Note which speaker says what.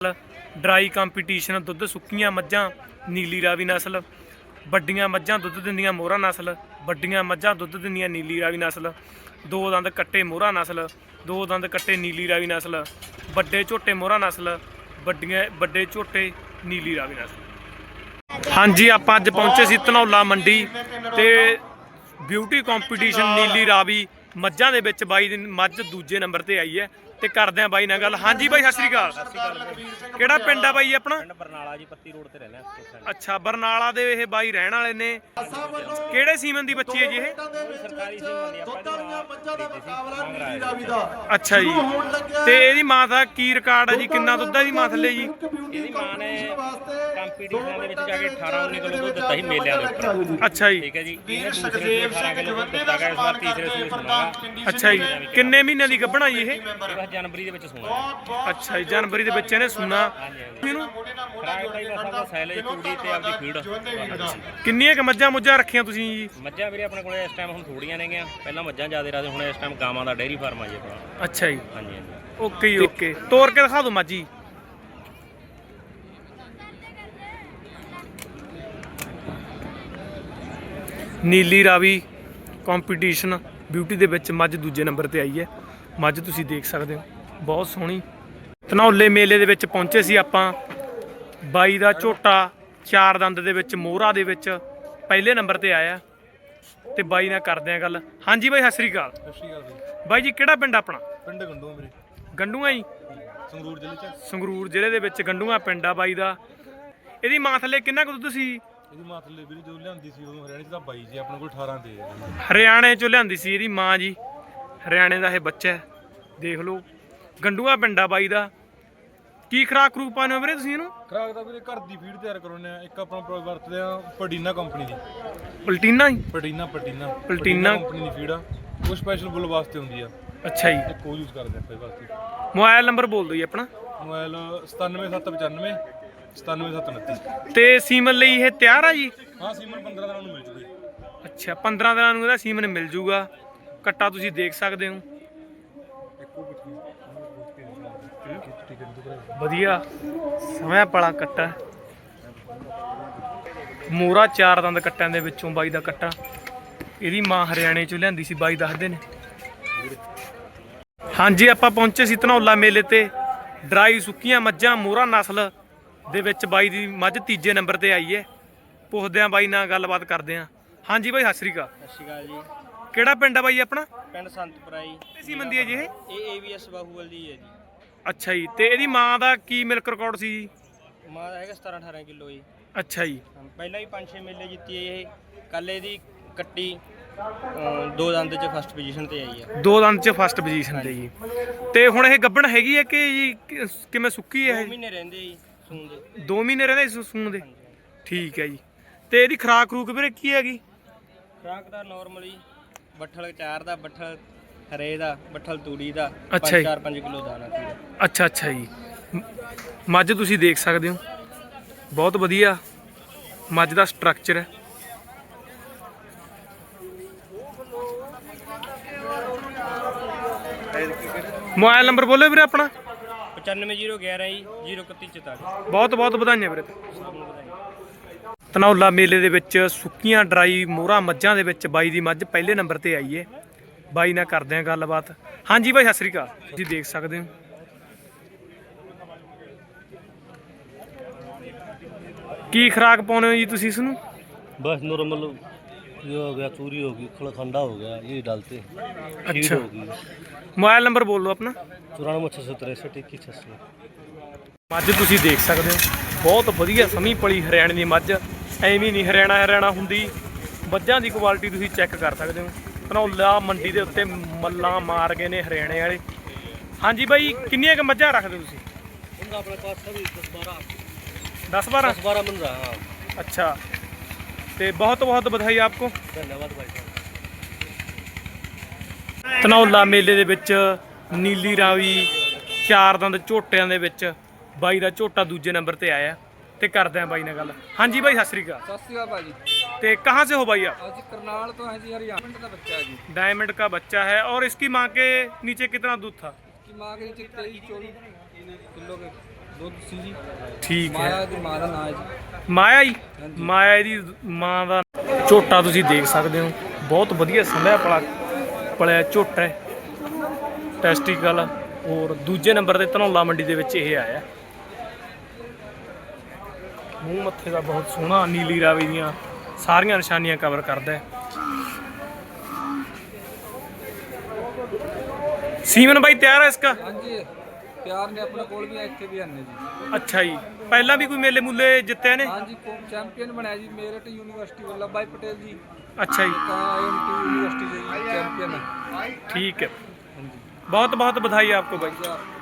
Speaker 1: Dry competition दुध सुक्कियां मज्जां नीली रावी नस्ल वड्डियां मज्जां दुध दिंदियां मोहरा नस्ल वड्डियां मज्जां दुध दिंदियां नीली रावी नस्ल दो दंद कट्टे मोहरा नस्ल दो दंद कट्टे नीली रावी नस्ल वड्डे झोटे मोहरा नस्ल वड्डे झोटे नीली रावी नस्ल। हाँ जी आपां अज पहुंचे सी धनौला मंडी ते ब्यूटी कंपीटीशन नीली रावी मज्जां दे विच बाई दी मझ दूजे नंबर ते आई है ਤੇ ਕਰਦੇ ਆ ਬਾਈ ਨਾਲ ਗੱਲ। ਹਾਂਜੀ ਬਾਈ ਸਤਿ ਸ੍ਰੀ ਅਕਾਲ। ਕਿਹੜਾ ਪਿੰਡ ਆ ਬਾਈ ਆਪਣਾ?
Speaker 2: ਪਿੰਡ ਬਰਨਾਲਾ ਜੀ, ਪੱਤੀ ਰੋਡ ਤੇ ਰਹਿੰਦੇ ਆ।
Speaker 1: ਅੱਛਾ ਬਰਨਾਲਾ ਦੇ ਇਹ ਬਾਈ ਰਹਿਣ ਵਾਲੇ ਨੇ। ਕਿਹੜੇ ਸੀਮਨ ਦੀ ਬੱਚੀ ਹੈ ਜੀ ਇਹ?
Speaker 2: ਸਰਕਾਰੀ ਸੀਮਨ ਦੀ
Speaker 1: ਅੱਛਾ ਜੀ ਤੇ ਇਹਦੀ ਮਾਂ ਦਾ ਕੀ ਰਿਕਾਰਡ ਹੈ ਜੀ? ਕਿੰਨਾ ਦੁੱਧ ਹੈ ਇਹਦੀ ਮਾਂ ਥੱਲੇ ਜੀ?
Speaker 2: ਇਹਦੀ ਮਾਂ ਨੇ ਕੰਪੀਟੀਸ਼ਨ ਦੇ ਵਿੱਚ ਜਾ ਕੇ 18-19 ਕਿਲੋ ਦੁੱਧ ਦਿੱਤਾ ਸੀ ਮੇਲਿਆਂ ਦੇ ਉੱਪਰ।
Speaker 1: ਅੱਛਾ ਜੀ
Speaker 2: ਠੀਕ ਹੈ ਜੀ। ਇਹਨੇ ਦੂਸਰੇ 18 ਕਿਲੋ ਦੁੱਧ ਦਿੱਤਾ ਗਿਆ, ਇਸ ਵਾਰ ਤੀਸਰੇ ਸੂਏ ਸੁਣਾਗਾ।
Speaker 1: ਅੱਛਾ ਜੀ ਕਿੰਨੇ ਮਹੀਨਿਆਂ ਦੀ ਗੱਭਣਾ ਜੀ ਇਹ?
Speaker 2: ਜਨਵਰੀ ਦੇ ਵਿੱਚ ਸੂਣਾ।
Speaker 1: ਅੱਛਾ ਜੀ ਜਨਵਰੀ ਦੇ ਵਿੱਚ ਇਹਨੇ ਸੂਣਾ। ਇਹਨੂੰ
Speaker 2: ਖਰਾਕ ਦਾ ਹੀ ਬਸ ਸਾਈਲੇਜ ਕੁੜੀ ਤੇ ਆਪਦੀ ਫੀਡ।
Speaker 1: ਕਿੰਨੀਆਂ ਕ ਮੱਝਾਂ ਮੁੱਝਾਂ ਰੱਖੀਆਂ ਤੁਸੀਂ ਜੀ?
Speaker 2: ਮੱਝਾਂ ਵੀਰੇ ਆਪਣੇ ਕੋਲੇ ਇਸ ਟਾਈਮ ਹੁਣ ਥੋੜੀਆਂ ਨੇਗੀਆਂ, ਪਹਿਲਾਂ ਮੱਝਾਂ ਜ਼ਿਆਦਾ ਰੱਖਦੇ, ਹੁਣ ਇਸ ਟਾਈਮ ਗਾਵਾਂ ਦਾ ਡੇਅਰੀ ਫਾਰਮ ਆ ਜੀ ਆਪਣਾ।
Speaker 1: ਅੱਛਾ ਜੀ
Speaker 2: ਹਾਂਜੀ ਹਾਂਜੀ
Speaker 1: ਓਕੇ ਜੀ ਓਕੇ ਤੋਰ ਕੇ ਦਿਖਾ ਦਿਓ ਮੱਝੀ। ਨੀਲੀ ਰਾਵੀ ਕੰਪੀਟੀਸ਼ਨ ਬਿਊਟੀ ਦੇ ਵਿੱਚ ਮੱਝ ਦੂਜੇ ਨੰਬਰ ਤੇ ਆਈ ਹੈ। ਮੱਝ ਤੁਸੀਂ ਦੇਖ ਸਕਦੇ ਹੋ ਬਹੁਤ ਸੋਹਣੀ। ਧਨੌਲੇ ਮੇਲੇ ਦੇ ਵਿੱਚ ਪਹੁੰਚੇ ਸੀ ਆਪਾਂ। ਬਾਈ ਦਾ ਝੋਟਾ ਚਾਰ ਦੰਦ ਦੇ ਵਿੱਚ ਮੋਹਰਾ ਦੇ ਵਿੱਚ ਪਹਿਲੇ ਨੰਬਰ ਤੇ ਆਇਆ ਤੇ ਬਾਈ ਨਾਲ ਕਰਦੇ ਆ ਗੱਲ। ਹਾਂਜੀ ਬਾਈ ਸਤਿ ਸ੍ਰੀ ਅਕਾਲ।
Speaker 3: ਸਤਿ ਸ਼੍ਰੀ ਅਕਾਲ ਬਾਈ।
Speaker 1: ਬਾਈ ਜੀ ਕਿਹੜਾ ਪਿੰਡ ਆਪਣਾ?
Speaker 3: ਪਿੰਡ ਗੰਡੂਆ ਵੀਰੇ।
Speaker 1: ਗੰਡੂਆ ਜੀ
Speaker 3: ਸੰਗਰੂਰ ਜ਼ਿਲ੍ਹੇ ਚ।
Speaker 1: ਸੰਗਰੂਰ ਜ਼ਿਲ੍ਹੇ ਦੇ ਵਿੱਚ ਗੰਡੂਆ ਪਿੰਡ ਆ ਬਾਈ ਦਾ। ਇਹਦੀ ਮਾਂ ਥੱਲੇ ਕਿੰਨਾ ਕੁ ਦੁੱਧ ਸੀ?
Speaker 3: ਇਹਦੀ ਮਾਂ ਥੱਲੇ ਵੀਰੇ ਜਦੋਂ ਲਿਆਂਦੀ ਸੀ ਉਦੋਂ ਹਰਿਆਣੇ ਚ ਤਾਂ 22 ਸੀ, ਆਪਣੇ ਕੋਲ 18 ਤੇ ਹੈ।
Speaker 1: ਹਰਿਆਣੇ ਚੋਂ ਲਿਆਂਦੀ ਸੀ ਇਹਦੀ ਮਾਂ ਜੀ। ਹਰਿਆਣੇ ਦਾ ਇਹ ਬੱਚਾ ਹੈ ਦੇਖ ਲਓ। ਗੰਡੂਆ ਪਿੰਡ ਆ ਬਾਈ ਦਾ। ਕੀ ਖਰਾਕ ਖਰੂਕ ਪਾਉਂਦੇ ਹੋ ਵੀਰੇ ਤੁਸੀਂ ਇਹਨੂੰ?
Speaker 3: ਖਰਾਕ ਦਾ ਵੀਰੇ ਘਰ ਦੀ ਫੀਡ ਤਿਆਰ ਕਰਾਉਂਦੇ ਆ। ਇੱਕ ਆਪਣਾ ਵਰਤਦੇ ਆ ਪਡੀਨਾ ਕੰਪਨੀ ਦੀ।
Speaker 1: ਪਲਟੀਨਾ ਜੀ?
Speaker 3: ਪਡੀਨਾ
Speaker 1: ਪਲਟੀਨਾ
Speaker 3: ਕੰਪਨੀ ਦੀ ਫੀਡ ਆ। ਉਹ ਸਪੈਸ਼ਲ ਬੁੱਲ ਵਾਸਤੇ ਹੁੰਦੀ ਆ।
Speaker 1: ਅੱਛਾ ਜੀ
Speaker 3: ਤੇ ਕੋਈ ਯੂਜ਼ ਕਰਦੇ ਆ ਫਿਰ ਵਾਸਤੇ।
Speaker 1: ਮੋਬਾਈਲ ਨੰਬਰ ਬੋਲ ਦਿਓ ਜੀ ਆਪਣਾ।
Speaker 3: ਮੋਬਾਈਲ 97795 97729।
Speaker 1: ਤੇ ਸੀਮਨ ਲਈ ਇਹ ਤਿਆਰ ਆ ਜੀ?
Speaker 3: ਹਾਂ ਸੀਮਨ 15 ਦਿਨਾਂ ਨੂੰ ਮਿਲ ਜੂਗੀ।
Speaker 1: ਅੱਛਾ 15 ਦਿਨਾਂ ਨੂੰ ਇਹਦਾ ਸੀਮਨ ਮਿਲ ਜੂਗਾ। ਕੱਟਾ ਤੁਸੀਂ ਦੇਖ ਸਕਦੇ ਹੋ ਵਧੀਆ ਸਮਾਂ ਪਲਾ ਕੱਟਾ। ਮੋਹਰਾ ਚਾਰ ਦੰਦ ਕੱਟਿਆਂ ਦੇ ਵਿੱਚੋਂ ਬਾਈ ਦਾ ਕੱਟਾ। ਇਹਦੀ ਮਾਂ ਹਰਿਆਣੇ ਚੋਂ ਲਿਆਂਦੀ ਸੀ ਬਾਈ ਦੱਸਦੇ ਨੇ। ਹਾਂਜੀ ਆਪਾਂ ਪਹੁੰਚੇ ਸੀ ਧਨੌਲਾ ਮੇਲੇ ਤੇ। ਡਰਾਈ ਸੁੱਕੀਆਂ ਮੱਝਾਂ ਮੋਹਰਾ ਨਸਲ ਦੇ ਵਿੱਚ ਬਾਈ ਦੀ ਮੱਝ ਤੀਜੇ ਨੰਬਰ ਤੇ ਆਈ ਹੈ। ਪੁੱਛਦੇ ਆ ਬਾਈ ਨਾਲ ਗੱਲਬਾਤ ਕਰਦੇ ਆ। ਹਾਂਜੀ ਬਾਈ ਸਤਿ ਸ੍ਰੀ ਅਕਾਲ।
Speaker 2: ਸਤਿ ਸ਼੍ਰੀ ਅਕਾਲ ਜੀ।
Speaker 1: ਕਿਹੜਾ ਪਿੰਡ ਆ ਬਾਈ ਆਪਣਾ?
Speaker 2: ਪਿੰਡ ਸੰਤਪੁਰਾ ਜੀ।
Speaker 1: ਸੀ ਮੰਦੀ ਹੈ ਜੀ ਇਹ?
Speaker 2: ਇਹ AVS ਬਾਹੂਵਲ ਦੀ ਹੈ ਜੀ।
Speaker 1: ਅੱਛਾ ਜੀ ਤੇ ਇਹਦੀ ਮਾਂ ਦਾ ਕੀ ਮਿਲਕ ਰਿਕਾਰਡ ਸੀ ਜੀ?
Speaker 2: ਮਾਂ ਦਾ ਹੈਗਾ 17-18 ਕਿਲੋ ਜੀ।
Speaker 1: ਅੱਛਾ ਜੀ
Speaker 2: ਪਹਿਲਾਂ ਵੀ 5-6 ਮੇਲੇ ਜਿੱਤੀ ਹੈ ਇਹ। ਕੱਲ ਇਹਦੀ ਕੱਟੀ ਦੋ ਦੰਦ ਚ ਫਸਟ ਪੋਜੀਸ਼ਨ ਤੇ ਆਈ ਹੈ।
Speaker 1: ਦੋ ਦੰਦ ਚ ਫਸਟ ਪੋਜੀਸ਼ਨ ਤੇ ਜੀ। ਤੇ ਹੁਣ ਇਹ ਗੱਭਣ ਹੈਗੀ ਹੈ ਕਿ ਜੀ ਕਿਵੇਂ ਸੁੱਕੀ ਹੈ?
Speaker 2: 2 ਮਹੀਨੇ ਰਹਿੰਦੇ ਜੀ ਸੂਣ ਦੇ।
Speaker 1: 2 ਮਹੀਨੇ ਰਹਿੰਦੇ ਸੂਣ ਦੇ। ਠੀਕ ਹੈ ਜੀ ਤੇ ਇਹਦੀ ਖਰਾਕ ਖਰੂਕ ਵੀਰੇ ਕੀ ਹੈਗੀ?
Speaker 2: ਖੁਰਾਕ ਦਾ ਨਾਰਮਲੀ ਬੱਠਲ ਚਾਰ ਦਾ, ਬੱਠਲ ਹਰੇ ਦਾ, ਬੱਠਲ ਤੂੜੀ ਦਾ,
Speaker 1: ਅੱਛਾ ਜੀ
Speaker 2: 4-5 ਕਿਲੋ ਦਾਣਾ।
Speaker 1: ਅੱਛਾ ਅੱਛਾ ਜੀ ਮੱਝ ਤੁਸੀਂ ਦੇਖ ਸਕਦੇ ਹੋ ਬਹੁਤ ਵਧੀਆ ਮੱਝ ਦਾ ਸਟਰਕਚਰ ਹੈ। ਮੋਬਾਈਲ ਨੰਬਰ ਬੋਲੋ ਵੀਰੇ ਆਪਣਾ।
Speaker 2: 9501 ਜੀ 03144।
Speaker 1: ਬਹੁਤ ਬਹੁਤ ਵਧਾਈਆਂ ਵੀਰੇ। ਧਨੌਲਾ ਮੇਲੇ ਦੇ ਵਿੱਚ ਸੁੱਕੀਆਂ ਡਰਾਈ ਮੋਹਰਾ ਮੱਝਾਂ ਦੇ ਵਿੱਚ ਬਾਈ ਦੀ ਮੱਝ ਪਹਿਲੇ ਨੰਬਰ ਤੇ ਆਈ ਹੈ। ਬਾਈ ਨਾਲ ਕਰਦੇ ਆ ਗੱਲਬਾਤ। ਹਾਂਜੀ ਬਾਈ ਸਤਿ ਸ੍ਰੀ ਅਕਾਲ। ਤੁਸੀਂ ਦੇਖ ਸਕਦੇ ਹੋ ਕੀ ਖਰਾਕ ਪਾਉਣੇ ਹੋ ਜੀ ਤੁਸੀਂ ਇਸ ਨੂੰ?
Speaker 4: बस नॉर्मल ये हो गया, चूरी होगी, थोड़ा ठंडा हो गया, ये डालते हैं।
Speaker 1: अच्छा
Speaker 4: होगी
Speaker 1: ਮੋਬਾਈਲ ਨੰਬਰ ਬੋਲ ਦਿਓ ਆਪਣਾ।
Speaker 4: 94
Speaker 1: ਮੱਝ ਤੁਸੀਂ ਦੇਖ ਸਕਦੇ ਹੋ ਬਹੁਤ ਵਧੀਆ ਸਮੀ ਪਲੀ ਹਰਿਆਣੇ ਦੀ ਮੱਝ। ਐਵੇਂ ਨਹੀਂ ਹਰਿਆਣਾ ਹੁੰਦੀ। ਮੱਝਾਂ ਦੀ ਕੁਆਲਿਟੀ ਤੁਸੀਂ ਚੈੱਕ ਕਰ ਸਕਦੇ ਹੋ। ਧਨੌਲਾ ਮੰਡੀ ਦੇ ਉੱਤੇ ਮੱਲਾਂ ਮਾਰ ਗਏ ਨੇ ਹਰਿਆਣੇ ਵਾਲੇ। ਹਾਂਜੀ ਬਾਈ ਕਿੰਨੀਆਂ ਕੁ ਮੱਝਾਂ ਰੱਖਦੇ ਤੁਸੀਂ?
Speaker 4: अपने पास सभी
Speaker 1: 10-12
Speaker 4: 10-12 बन रहा है। हाँ
Speaker 1: अच्छा तो बहुत बहुत बधाई आपको।
Speaker 4: धन्यवाद भाई साहब।
Speaker 1: ਧਨੌਲਾ ਮੇਲੇ ਦੇ ਵਿੱਚ ਨੀਲੀ ਰਾਵੀ ਚਾਰ ਦੰਦ ਝੋਟਿਆਂ ਦੇ ਵਿੱਚ ਬਾਈ ਦਾ ਝੋਟਾ ਦੂਜੇ ਨੰबर ਤੇ ਆਇਆ ਤੇ ਕਰਦੇ ਆ ਬਾਈ ਨਾਲ ਗੱਲ। ਹਾਂਜੀ ਬਾਈ ਸਤਿ ਸ੍ਰੀ ਅਕਾਲ।
Speaker 5: सत श्री अकाल भाजी।
Speaker 1: ਤੇ कहाँ से हो भाई आप?
Speaker 5: आज करनाल तो है जी, हरियाणा का बच्चा है जी।
Speaker 1: डायमंड का बच्चा है और इसकी माँ के नीचे कितना दूध था?
Speaker 5: इसकी माँ के नीचे 23-24 किलो के ਦੁੱਧ ਸੀ ਜੀ।
Speaker 1: ਠੀਕ ਹੈ।
Speaker 5: ਮਾਇਆ ਦੀ ਮਾਂ ਦਾ ਨਾਂ ਹੈ ਜੀ।
Speaker 1: ਮਾਇਆ ਜੀ, ਮਾਇਆ ਇਹਦੀ ਮਾਂ ਦਾ ਝੋਟਾ ਤੁਸੀਂ ਦੇਖ ਸਕਦੇ ਹੋ, ਬਹੁਤ ਵਧੀਆ ਸੰਭਿਆ ਪਲਿਆ ਝੋਟਾ ਹੈ, ਟੈਸਟੀਕਲ। ਔਰ ਦੂਜੇ ਨੰਬਰ ਤੇ ਧਨੌਲਾ ਮੰਡੀ ਦੇ ਵਿੱਚ ਇਹ ਆਇਆ। ਮੂੰਹ ਮੱਥੇ ਦਾ ਬਹੁਤ ਸੋਹਣਾ, ਨੀਲੀ ਰਾਵੀ ਦੀਆਂ ਸਾਰੀਆਂ ਨਿਸ਼ਾਨੀਆਂ ਕਵਰ ਕਰਦਾ ਹੈ। ਸੀਮਨ ਬਾਈ ਤਿਆਰ ਹੈ ਇਸਕਾ?
Speaker 5: ਹਾਂਜੀ ਪਿਆਰ ਨੇ ਆਪਣੇ ਕੋਲ ਵੀ ਆ, ਇੱਥੇ ਵੀ ਹਨ ਜੀ।
Speaker 1: ਅੱਛਾ ਜੀ, ਪਹਿਲਾਂ ਵੀ ਕੋਈ ਮੇਲੇ ਮੂਲੇ ਜਿੱਤੇ ਨੇ?
Speaker 5: ਹਾਂਜੀ ਚੈਂਪੀਅਨ ਬਣਿਆ ਜੀ ਮੇਰਠ ਯੂਨੀਵਰਸਿਟੀ ਵੱਲਭ ਭਾਈ ਪਟੇਲ ਜੀ,
Speaker 1: ਅੱਛਾ ਜੀ,
Speaker 5: IMT ਯੂਨੀਵਰਸਿਟੀ ਦੇ ਚੈਂਪੀਅਨ ਹੈ।
Speaker 1: ठीक है।
Speaker 5: ਹਾਂਜੀ
Speaker 1: बहुत बहुत बधाई आपको भाई।
Speaker 5: अच्छा।